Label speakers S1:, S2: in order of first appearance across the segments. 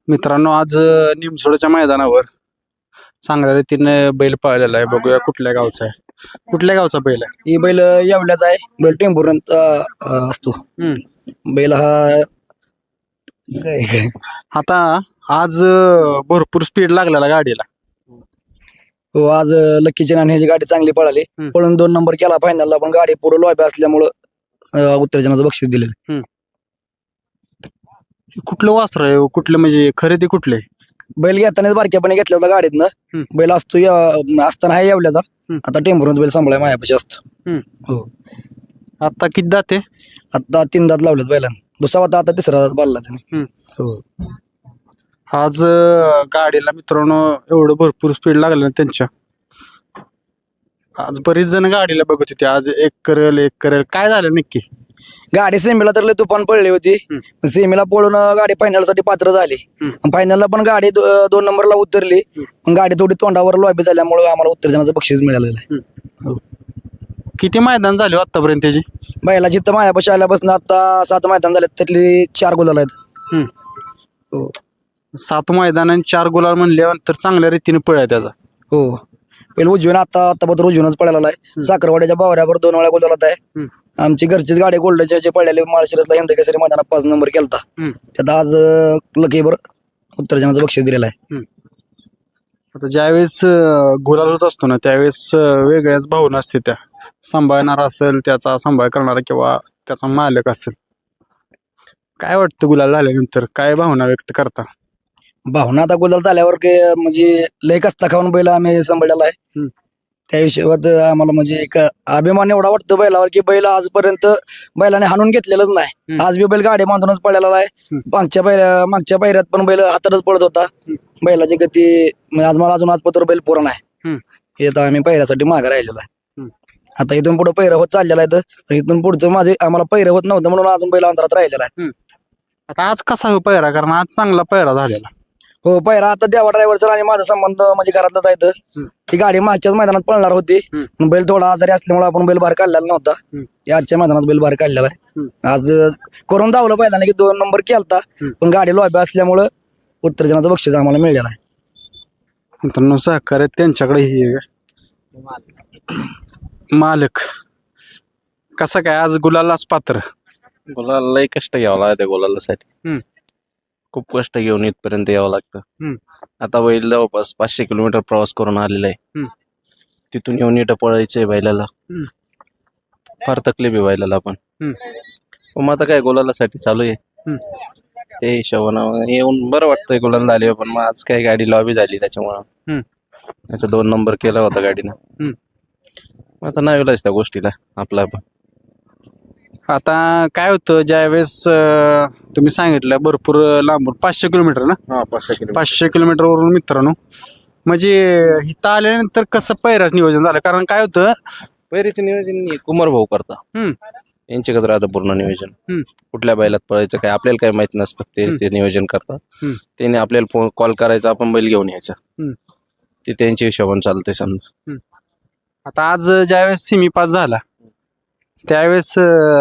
S1: मित्रांनो आज निमसोडच्या मैदानावर चांगल्या रीतीने बैल पळालेला आहे. बघूया कुठल्या गावचा आहे, कुठल्या गावचा बैल आहे.
S2: ही बैल येवल्याचा आहे. बैल टेंभुर्णीत असतो. बैल हा
S1: आता आज भरपूर स्पीड लागलेला गाडीला.
S2: हो, आज लक्कीची आणि ह्याची गाडी चांगली पळाली. पळून 2 नंबर केला फायनलला, पण गाडी पुढे लॉबी असल्यामुळं उत्तेजनाचं बक्षीस दिलेलं.
S1: कुठलं वासर आहे, कुठलं म्हणजे खरेदी कुठले?
S2: बैल घेतानाच बारक्यापणे घेतला होता गाडीतनं. बैल असतो असताना आहे येवल्याचा. आता टेंभुर्णीत बैल सांभाळाय मायापाशी असतो. हो,
S1: आता किती दाते?
S2: आता 3 दात लावलेत बैलांना. दुसरा होता, आता 3रा दात बांधला त्याने. हो,
S1: आज गाडीला मित्रांनो एवढं भरपूर स्पीड लागलं ना त्यांच्या. आज बरीच जण गाडीला बघत होती, आज एक करेल काय झालं नक्की?
S2: गाडी सेमीला तर लय तुफान पडली होती. सेमीला पळून गाडी फायनल साठी पात्र झाली. फायनलला पण गाडी 2 नंबरला उतरली. पण गाडी थोडी तोंडावर लॉबी झाल्यामुळे आम्हाला उत्तेजनाचं बक्षीस मिळालेलं आहे. हो.
S1: किती मैदान झाले आतापर्यंत त्याची?
S2: बैला जिथं मायापाशी आल्यापासून आता 7 मैदान झाले, त्यातली 4 गुलाल आहेत. हो,
S1: 7 मैदान आणि 4 गुलाल म्हणल्यानंतर चांगल्या रीतीने पळ आहे त्याचा.
S2: हो. पहिलं उजवीन आता बद्दल उजवीनच पळालेला आहे. साखरवाड्याच्या बावऱ्यावर 2 वेळा गुलालात आहे. आमची घरचीच गाडी गोल्डचे जे पडलेले माळशिरसला हिंद केसरी मैदानात 5 नंबर केलता. त्यात आज लकीवर उत्तेजनाचं बक्षीस दिलेलं आहे.
S1: आता ज्यावेळेस गुलाल होत असतो ना, त्यावेळेस वेगळ्याच भावना असते. त्या सांभाळणार असेल, त्याचा सांभाळ करणारा किंवा त्याचा मालक असेल. काय वाटतं गुलाल झाल्यानंतर, काय भावना व्यक्त करता?
S2: भावना आता गुलाल झाल्यावर म्हणजे लय कष्ट खाऊन बैल आम्ही सांभाळलेला आहे. त्या हिशोबात आम्हाला म्हणजे एक अभिमान एवढा वाटतो बैलावर की बैल आजपर्यंत बैलाने हाणून घेतलेलंच नाही. आज बी बैल गाडी बांधूनच पळलेला आहे. मागच्या पायऱ्यात पण बैल हातातच पडत होता. बैलाची गती म्हणजे आज मला अजून आजपत्र बैल पुरण आहे. हे तर आम्ही पैऱ्यासाठी मागे राहिलेलो आहे. आता इथून पुढे पैर होत चाललेला आहे. तर इथून पुढचं माझे आम्हाला पैर होत नव्हतं म्हणून अजून बैल अंतरात राहिलेला आहे.
S1: आता आज कसा हो पैरा, कारण आज चांगला पैरा झालेला.
S2: हो, पैरा आता देवा ड्रायव्हरचा आणि माझा संबंध म्हणजे घरातलाच आहे. ती गाडी मागच्याच मैदानात पळणार होती. बैल थोडा आजारी असल्यामुळे आपण बैल बाहेर काढलेला नव्हता. आजच्या मैदानात बैल बाहेर काढलेला आहे. आज करून धावलं पहिल्यांदा की 2 नंबर केलता, पण गाडी लॉबी असल्यामुळं उत्तेजनाचं बक्षीस आम्हाला मिळालेलं आहे.
S1: मित्रांनो सहकार्य त्यांच्याकडे ही मालक कसा काय आज गुलालाच पात्र?
S3: गुलाला लय कष्ट घ्यावं लागतं गुलालासाठी. खूप कष्ट घेऊन इथपर्यंत यावं लागतं. आता बैल जवळपास 500 किलोमीटर प्रवास करून आलेला आहे. तिथून येऊन इथं पळायचंय बैलाला. फार तकलीफ आहे बैलाला पण. मग आता काय गुलालासाठी चालू आहे. ते हिशोबानं येऊन बरं वाटतंय गुलाल झाली. पण मग आज काय गाडी लॉबी झाली त्याच्यामुळं त्याचा 2 नंबर केला होता गाडीनं. आता नाही विलाच त्या गोष्टीला आपला पण.
S1: आता काय होतं, ज्यावेळेस तुम्ही सांगितलं भरपूर लांबून 500 किलोमीटर ना, 500 किलोमीटर वरून मित्रांनो, म्हणजे इथं आल्यानंतर कसं पैराच नियोजन झालं? कारण काय होतं,
S3: पैरीचं नियोजन कुमार भाऊ करता. यांच्याकडे राहतं पूर्ण नियोजन. कुठल्या बैलात पळायचं काय आपल्याला काय माहित नसतं. ते नियोजन करतात. त्याने आपल्याला फोन कॉल करायचा, आपण बैल घेऊन यायचा. ते त्यांच्या हिशोबाने चालतंय समजा.
S1: आता आज ज्यावेळेस सेमी पास झाला त्यावेळेस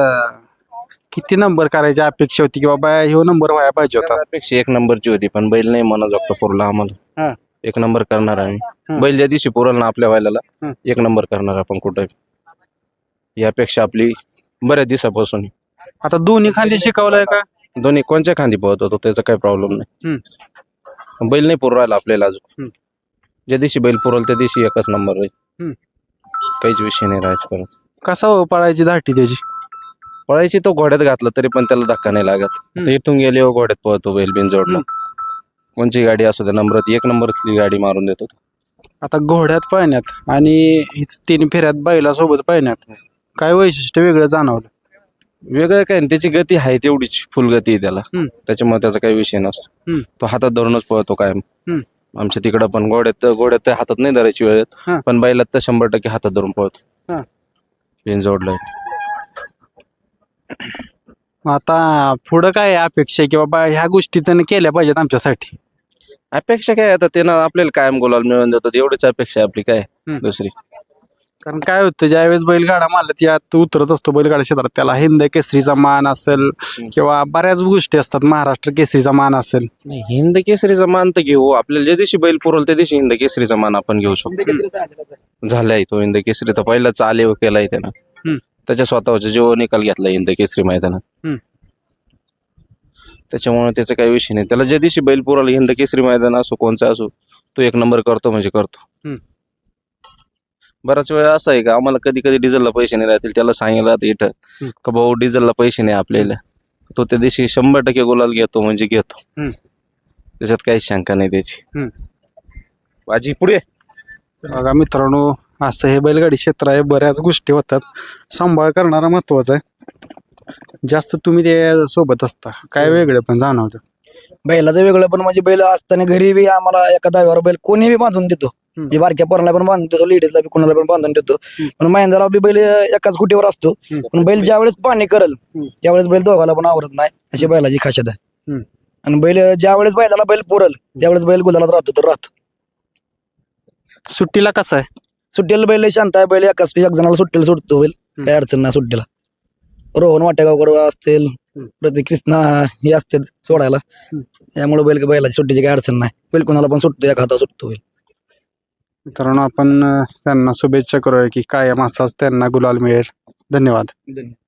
S1: किती नंबर करायची अपेक्षा होती, की बाबा ह्यो नंबर व्हायला पाहिजे होता?
S3: अपेक्षा 1 नंबरची होती, पण बैल नाही म्हणा जोगता पुरला आम्हाला. 1 नंबर करणार आम्ही. बैल ज्या दिवशी पुरल ना आपल्या बैलाला 1 नंबर करणार आपण कुठे. ही अपेक्षा आपली बऱ्याच दिवसापासून.
S1: आता दोन्ही खांदी शिकवलंय का?
S3: दोन्ही कोणत्या खांदी पळत होतो त्याचा काही प्रॉब्लेम नाही. बैल नाही पुरू राहिला आपल्याला अजून. ज्या दिवशी बैल पुरल त्या दिवशी 1च नंबर होईल. काहीच विषय नाही राहायचं परत.
S1: कसा हो पळायची धाटी त्याची?
S3: पळायची तो घोड्यात घातला तरी पण त्याला धक्का नाही लागत. इथून गेले घोड्यात पळतो बैल बिनजोडला. कोणची गाडी असू द्या नंबरात 1 नंबरची गाडी मारून देतो.
S1: आता घोड्यात पळण्यात आणि 3 फेऱ्यात बैलासोबत पळण्यात काय वैशिष्ट्य वेगळं जाणवलं?
S3: वेगळं काय नाही, त्याची गती आहे तेवढीच फुल गती आहे त्याला. त्याच्यामुळे त्याचा काही विषय नसतो. तो हातात धरूनच पळतो कायम. आमच्या तिकडं पण घोड्यात हातात नाही धरायची वेळेत, पण बैलात तर 100% हातात धरून पळतो. बिनजोडला.
S1: आता पुढं काय अपेक्षा की बाबा ह्या गोष्टी त्याने केल्या पाहिजेत आमच्यासाठी?
S3: अपेक्षा काय आता त्यानं आपल्याला कायम गुलाल मिळवून देतात एवढीच अपेक्षा आपली. काय दुसरी
S1: कारण काय होतं ज्यावेळेस बैलगाडा मालक यात उतरत असतो बैलगाडा क्षेत्रात त्याला हिंद केसरीचा मान असेल किंवा बऱ्याच गोष्टी असतात महाराष्ट्र केसरीचा मान असेल.
S3: नाही, हिंद केसरीचा मान तर घेऊ. आपल्याला ज्या दिवशी बैल पुरवल त्या दिवशी हिंद केसरीचा मान आपण घेऊ शकतो. झालाय तो हिंद केसरी तर पहिलाच आलेव केलाय त्यानं. त्याच्या स्वतःच्या जीव निकाल घेतला हिंद केसरी मैदानात. त्याच्यामुळे त्याचा काही विषय नाही. त्याला ज्या दिवशी बैल पुरवला हिंद केसरी मैदान असो कोणचा असो तो एक नंबर करतो म्हणजे करतो. बराच वेळ असा आहे का आम्हाला कधी कधी डिझेलला पैसे नाही राहतील त्याला सांगितलं राहतं इथं का भाऊ डिझेलला पैसे नाही आपल्याला. तो त्या दिवशी 100% गुलाल घेतो म्हणजे घेतो. त्याच्यात काहीच शंका नाही त्याची. बाजी पुढे.
S1: बघा मित्रांनो असं हे बैलगाडी क्षेत्र आहे. बऱ्याच गोष्टी होतात. सांभाळ करणारा महत्वाचा आहे. जास्त तुम्ही ते सोबत असता काय वेगळं पण जाणवतं.
S2: बैलाचं वेगळं पण म्हणजे बैल असताना घरी बी आम्हाला एका दाव्यावर बैल कोणी बी बांधून देतो. मी बारक्या पोराला पण बांधून देतो लेडीजला बी कोणाला पण बांधून देतो. पण महिंद्राला बी बैल एकाच कुटीवर असतो. पण बैल ज्यावेळेस पाणी करल त्यावेळेस बैल दोघाला पण आवरत नाही अशी बैलाची खासियत आहे. आणि बैल ज्यावेळेस बैलाला बैल पुरल त्यावेळेस बैल गुलालात राहतो तर राहतो.
S1: सुट्टीला कसं आहे.
S2: सुट्टीला बैल लय शांत आहे. बैल एक जणाला सुट्टीला सुटतो बैल काही अडचण नाही सुट्टीला. रोहन वाटेगावकर असतील प्रतीक कृष्णा हे असते सोडायला त्यामुळे बैलाची सुट्टीची काही अडचण नाही. बैल कोणाला पण सुटतो एका हातावर सुटतो बैल.
S1: मित्रांनो आपण त्यांना शुभेच्छा करूया की कायम असाच त्यांना गुलाल मिळेल. धन्यवाद.